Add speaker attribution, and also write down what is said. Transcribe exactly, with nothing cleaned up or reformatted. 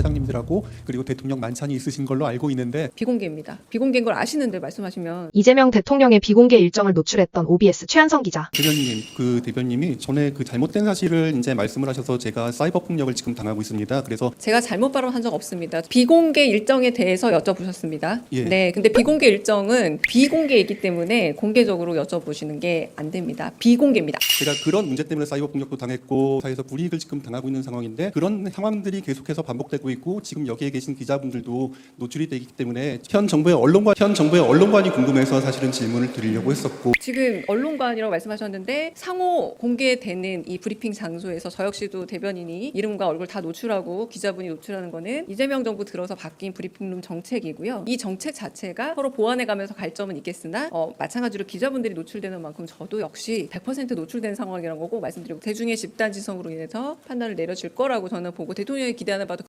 Speaker 1: 사장님들하고 그리고 대통령 만찬이 있으신 걸로 알고 있는데
Speaker 2: 비공개입니다. 비공개인 걸 아시는데 말씀하시면
Speaker 3: 이재명 대통령의 비공개 일정을 노출했던 오비에스 최한성 기자.
Speaker 1: 대변인님, 그 대변님이 전에 그 잘못된 사실을 이제 말씀을 하셔서 제가 사이버 폭력을 지금 당하고 있습니다. 그래서
Speaker 2: 제가 잘못 발언한 적 없습니다. 비공개 일정에 대해서 여쭤보셨습니다.
Speaker 1: 예.
Speaker 2: 네, 근데 비공개 일정은 비공개이기 때문에 공개적으로 여쭤보시는 게 안 됩니다. 비공개입니다.
Speaker 1: 제가 그런 문제 때문에 사이버 폭력도 당했고 사회에서 불이익을 지금 당하고 있는 상황인데 그런 상황들이 계속해서 반복되고 있고 지금 여기에 계신 기자분들도 노출이 되기 때문에 현 정부의 언론관 현 정부의 언론관이 궁금해서 사실은 질문을 드리려고 했었고
Speaker 2: 지금 언론관이라고 말씀하셨는데 상호 공개되는 이 브리핑 장소에서 저 역시도 대변인이 이름과 얼굴 다 노출하고 기자분이 노출하는 거는 이재명 정부 들어서 바뀐 브리핑룸 정책이고요. 이 정책 자체가 서로 보완해가면서 갈 점은 있겠으나 어, 마찬가지로 기자분들이 노출되는 만큼 저도 역시 백 퍼센트 노출된 상황이라는 거고 말씀드리고 대중의 집단지성으로 인해서 판단을 내려질 거라고 저는 보고 대통령이 기대하는 바도